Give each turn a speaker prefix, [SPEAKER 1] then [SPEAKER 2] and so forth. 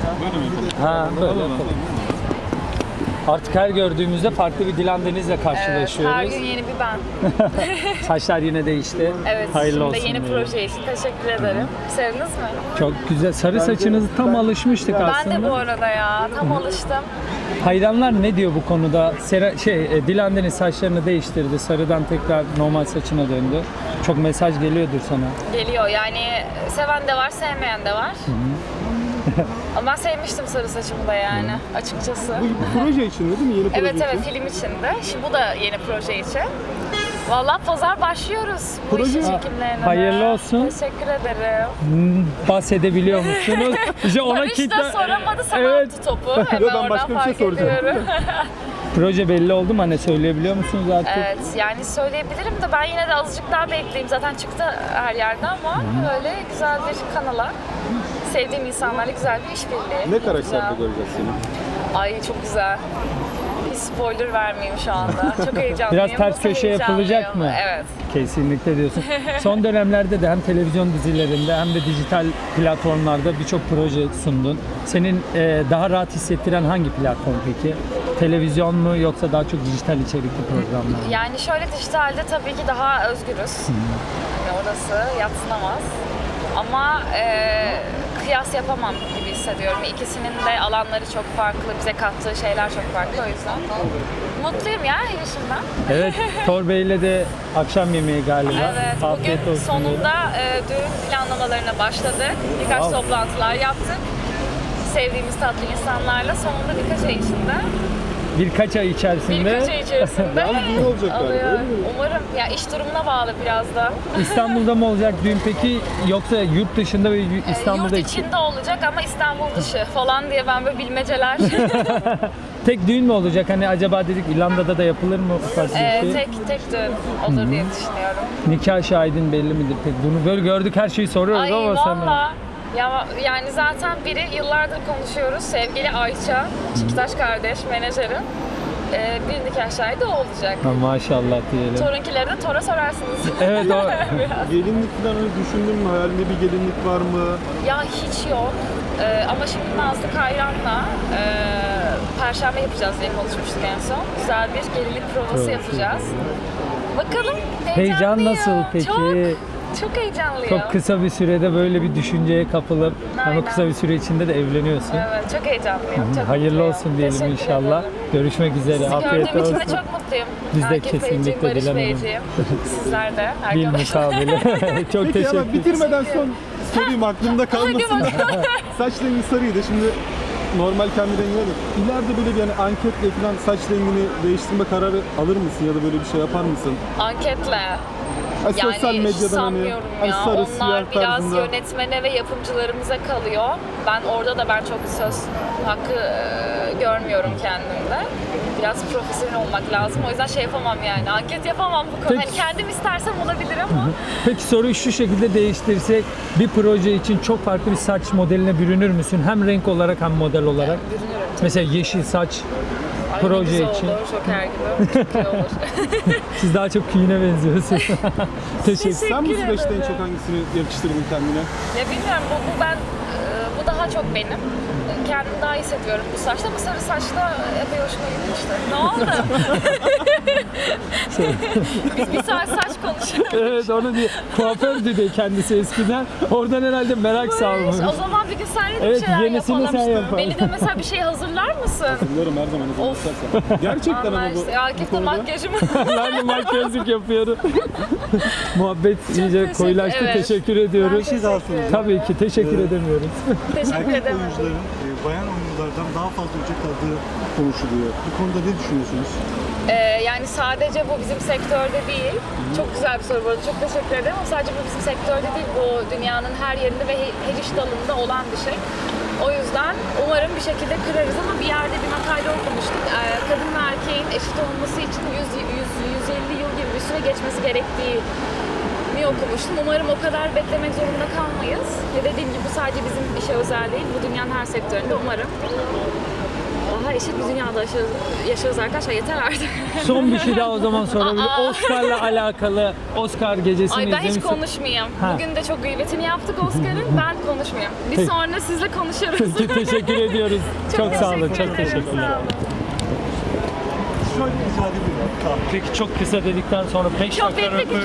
[SPEAKER 1] Böyle mi yapalım?
[SPEAKER 2] Ha, böyle yapalım. Artık her gördüğümüzde farklı bir Dilan Deniz'le
[SPEAKER 3] Evet,
[SPEAKER 2] karşılaşıyoruz.
[SPEAKER 3] her gün yeni bir ben.
[SPEAKER 2] Saçlar yine değişti.
[SPEAKER 3] Evet,
[SPEAKER 2] Hayırlı
[SPEAKER 3] şimdi
[SPEAKER 2] olsun
[SPEAKER 3] yeni
[SPEAKER 2] diyelim.
[SPEAKER 3] proje için teşekkür ederim. Sevdiniz mi?
[SPEAKER 2] Çok güzel. Sarı saçınızı tam alışmıştık
[SPEAKER 3] Ben
[SPEAKER 2] aslında.
[SPEAKER 3] de bu arada ya, tam alıştım.
[SPEAKER 2] Hayranlar ne diyor bu konuda? Dilan Deniz saçlarını değiştirdi. Sarıdan tekrar normal saçına döndü. Çok mesaj geliyordur sana.
[SPEAKER 3] Geliyor yani, seven de var, sevmeyen de var. Ama ben sevmiştim sarı saçımı da yani, açıkçası.
[SPEAKER 1] Bu proje için değil mi? Yeni proje
[SPEAKER 3] Evet
[SPEAKER 1] için.
[SPEAKER 3] evet, film içinde. Şimdi bu da yeni proje için. Vallahi pazar başlıyoruz bu
[SPEAKER 1] Proje-
[SPEAKER 3] işin çekimlerine.
[SPEAKER 2] Hayırlı olsun.
[SPEAKER 3] Teşekkür ederim.
[SPEAKER 2] Bahsedebiliyor musunuz? İşte ona
[SPEAKER 3] Barış
[SPEAKER 2] kitle...
[SPEAKER 3] da soramadı, sana
[SPEAKER 2] Evet.
[SPEAKER 3] attı topu. Hemen
[SPEAKER 1] Yo, ben
[SPEAKER 3] oradan
[SPEAKER 1] başka bir şey
[SPEAKER 3] fark
[SPEAKER 1] soracağım.
[SPEAKER 3] ediyorum.
[SPEAKER 2] Proje belli oldu mu? Hani söyleyebiliyor musunuz artık?
[SPEAKER 3] Evet, yani söyleyebilirim de ben yine de azıcık daha bekleyeyim. Zaten çıktı her yerde ama böyle güzel bir kanala, sevdiğim insanlarla güzel bir işbirliği.
[SPEAKER 1] Ne karakterde
[SPEAKER 3] yapacağım.
[SPEAKER 1] göreceğiz seni?
[SPEAKER 3] Ay çok güzel. Hiç spoiler vermeyeyim şu anda. Çok heyecanlıyım.
[SPEAKER 2] Biraz ters
[SPEAKER 3] Nasıl
[SPEAKER 2] köşe yapılacak
[SPEAKER 3] heyecanlıyım?
[SPEAKER 2] mı?
[SPEAKER 3] Evet.
[SPEAKER 2] Kesinlikle diyorsun. Son dönemlerde de hem televizyon dizilerinde hem de dijital platformlarda birçok proje sundun. Senin daha rahat hissettiren hangi platform peki? Televizyon mu yoksa daha çok dijital içerikli programlar mı?
[SPEAKER 3] Yani şöyle, dijitalde tabii ki daha özgürüz. Yani orası yadsınamaz. Ama kıyas yapamam gibi hissediyorum. İkisinin de alanları çok farklı, bize kattığı şeyler çok farklı o yüzden. Mutluyum ya yaşımdan.
[SPEAKER 2] Evet, Thor Bey'le de akşam yemeği galiba.
[SPEAKER 3] Evet,
[SPEAKER 2] Afiyet
[SPEAKER 3] bugün
[SPEAKER 2] olsun diyelim.
[SPEAKER 3] sonunda düğün planlamalarına başladık. Birkaç
[SPEAKER 2] Wow.
[SPEAKER 3] toplantılar yaptık. Sevdiğimiz tatlı insanlarla sonunda birkaç ay içinde.
[SPEAKER 2] Birkaç ay içerisinde
[SPEAKER 3] Birkaç ay içerisinde
[SPEAKER 1] Yalnız düğün olacak galiba,
[SPEAKER 3] alıyor.
[SPEAKER 1] öyle mi?
[SPEAKER 3] Umarım. Ya iş durumuna bağlı biraz da.
[SPEAKER 2] İstanbul'da mı olacak düğün peki yoksa yurt dışında ve İstanbul'da
[SPEAKER 3] Yurt içinde olacak ama İstanbul dışı falan diye ben böyle bilmeceler.
[SPEAKER 2] tek düğün mü olacak? Hani acaba dedik İrlanda'da da yapılır mı ufak bir şey?
[SPEAKER 3] tek düğün olur diye düşünüyorum.
[SPEAKER 2] Nikah şahidin belli midir peki? Bunu böyle gördük her şeyi soruyoruz
[SPEAKER 3] Ay
[SPEAKER 2] ama sana.
[SPEAKER 3] valla. Ya yani zaten biri yıllardır konuşuyoruz. Sevgili Ayça, Çikitaş kardeş, menajerim. Bir nikah şahidi o olacak.
[SPEAKER 2] Ha, maşallah diyelim.
[SPEAKER 3] Torunkileri de Tora sorarsınız.
[SPEAKER 2] Evet o.
[SPEAKER 1] Gelinlik falan öyle düşündün mü? Hayalinde bir gelinlik var mı?
[SPEAKER 3] Ya hiç yok. Ama şimdi Nazlı Kayran'la Perşembe yapacağız diye konuşmuştuk en son. Güzel bir gelinlik provası yapacağız. Bakalım,
[SPEAKER 2] Heyecan
[SPEAKER 3] heyecanlıyım.
[SPEAKER 2] nasıl peki?
[SPEAKER 3] Çok heyecanlıyım.
[SPEAKER 2] Çok kısa bir sürede böyle bir düşünceye kapılıp ama
[SPEAKER 3] Aynen.
[SPEAKER 2] kısa bir süre içinde de evleniyorsun.
[SPEAKER 3] Evet, çok heyecanlıyım. Çok
[SPEAKER 2] Hayırlı
[SPEAKER 3] mutluyum.
[SPEAKER 2] olsun diyelim
[SPEAKER 3] Teşekkür
[SPEAKER 2] inşallah.
[SPEAKER 3] ederim.
[SPEAKER 2] Görüşmek üzere.
[SPEAKER 3] Sizi
[SPEAKER 2] Afiyet
[SPEAKER 3] gördüğüm için
[SPEAKER 2] olsun.
[SPEAKER 3] de çok mutluyum.
[SPEAKER 2] Biz de
[SPEAKER 3] Akif
[SPEAKER 2] kesinlikle
[SPEAKER 3] Beyciğim, Barış
[SPEAKER 2] Dilan Hanım.
[SPEAKER 3] Beyciğim. Sizler de.
[SPEAKER 2] Bir
[SPEAKER 3] arkadaşlar.
[SPEAKER 2] mukabele. Çok
[SPEAKER 1] Peki ama
[SPEAKER 2] teşekkür
[SPEAKER 1] bitirmeden son sorayım aklımda kalmasın.
[SPEAKER 3] Hadi bakalım.
[SPEAKER 1] Saç rengi sarıydı. Şimdi normal kendi rengine de. İleride böyle bir yani anketle falan saç rengini değiştirme kararı alır mısın ya da böyle bir şey yapar mısın?
[SPEAKER 3] Anketle.
[SPEAKER 1] Yani sosyal
[SPEAKER 3] Yani hiç
[SPEAKER 1] medyadan
[SPEAKER 3] sanmıyorum
[SPEAKER 1] hani
[SPEAKER 3] ya.
[SPEAKER 1] sarı,
[SPEAKER 3] Onlar
[SPEAKER 1] siyah
[SPEAKER 3] biraz
[SPEAKER 1] tarzında.
[SPEAKER 3] yönetmene ve yapımcılarımıza kalıyor. Ben orada ben çok söz hakkı görmüyorum kendimde. Biraz profesyonel olmak lazım. O yüzden şey yapamam yani. Anket yapamam bu konuda.
[SPEAKER 2] Peki.
[SPEAKER 3] Hani kendim istersem olabilir ama.
[SPEAKER 2] Peki soruyu şu şekilde değiştirsek bir proje için çok farklı bir saç modeline bürünür müsün? Hem renk olarak hem model olarak.
[SPEAKER 3] Bürünürüm.
[SPEAKER 2] Mesela yeşil saç
[SPEAKER 3] Ay,
[SPEAKER 2] proje
[SPEAKER 3] ne güzel
[SPEAKER 2] için.
[SPEAKER 3] olur. Şoker gibi. Çok iyi olur.
[SPEAKER 2] Siz daha çok Queen'e benziyorsunuz. Teşekkür.
[SPEAKER 1] Sen bu
[SPEAKER 3] Teşekkür
[SPEAKER 1] süreçte en
[SPEAKER 3] ederim.
[SPEAKER 1] çok hangisini yakıştırdın kendine?
[SPEAKER 3] Ya bilmiyorum, bu daha çok benim. Kendimi daha iyi hissediyorum bu saçta. Bu sarı saçta epey hoşuma gitmişti. Ne oldu? Biz bir saat saç konuşuyoruz.
[SPEAKER 2] Evet onu diye. Kuafördü de kendisi eskiden. Oradan herhalde merak salmış.
[SPEAKER 3] O zaman bir gün seninle de
[SPEAKER 2] Evet,
[SPEAKER 3] bir şeyler
[SPEAKER 2] yenisini
[SPEAKER 3] yapalım.
[SPEAKER 2] sen yapalım.
[SPEAKER 3] Beni de mesela bir şey hazırlar mısın?
[SPEAKER 1] Hatırlarım her zaman izin
[SPEAKER 3] Of.
[SPEAKER 1] istersen. Gerçekten ama bu,
[SPEAKER 3] Anlaştık.
[SPEAKER 1] bu
[SPEAKER 3] Akif de
[SPEAKER 1] konuda.
[SPEAKER 3] makyajımı.
[SPEAKER 2] Ben de makyajlık yapıyorum. Muhabbet iyice
[SPEAKER 3] teşekkür-
[SPEAKER 2] koyulaştı.
[SPEAKER 3] evet.
[SPEAKER 2] Teşekkür ediyoruz.
[SPEAKER 3] Ben teşekkür ederim.
[SPEAKER 2] Tabii ki teşekkür edemiyoruz.
[SPEAKER 3] Teşekkür
[SPEAKER 4] Erkek
[SPEAKER 3] ederim.
[SPEAKER 4] oyuncuların bayan oyunculardan daha fazla ücret aldığı konuşuluyor. Bu konuda ne düşünüyorsunuz?
[SPEAKER 3] Yani sadece bu bizim sektörde değil. Çok güzel bir soru bu arada. Çok teşekkür ederim. Ama sadece bu bizim sektörde değil. Bu dünyanın her yerinde ve her iş dalında olan bir şey. O yüzden umarım bir şekilde kırarız ama bir yerde bir makale okumuştuk. Kadın ve erkeğin eşit olması için 150 yıl gibi bir süre geçmesi gerektiği okumuştum. Umarım o kadar beklemek zorunda kalmayız. Ve dediğim gibi bu sadece bizim işe özel değil. Bu dünyanın her sektöründe umarım daha eşit bir dünyada yaşıyoruz arkadaşlar. Yeter artık.
[SPEAKER 2] Son bir şey daha o zaman sorabilirim. Oscar'la alakalı, Oscar gecesini
[SPEAKER 3] Ay ben hiç
[SPEAKER 2] izlemişsin.
[SPEAKER 3] konuşmayayım.
[SPEAKER 2] Ha.
[SPEAKER 3] Bugün de çok gıybetini yaptık Oscar'ın. Ben konuşmayayım. Bir
[SPEAKER 2] Peki.
[SPEAKER 3] sonra sizle konuşuruz.
[SPEAKER 2] Peki, teşekkür ediyoruz. Çok sağ olun,
[SPEAKER 3] teşekkür
[SPEAKER 2] çok
[SPEAKER 3] ederim,
[SPEAKER 2] teşekkürler.
[SPEAKER 3] sağ olun.
[SPEAKER 4] Şöyle rica edebilirim.
[SPEAKER 2] Peki çok kısa dedikten sonra 5
[SPEAKER 3] Yok,
[SPEAKER 2] dakika
[SPEAKER 3] bekle,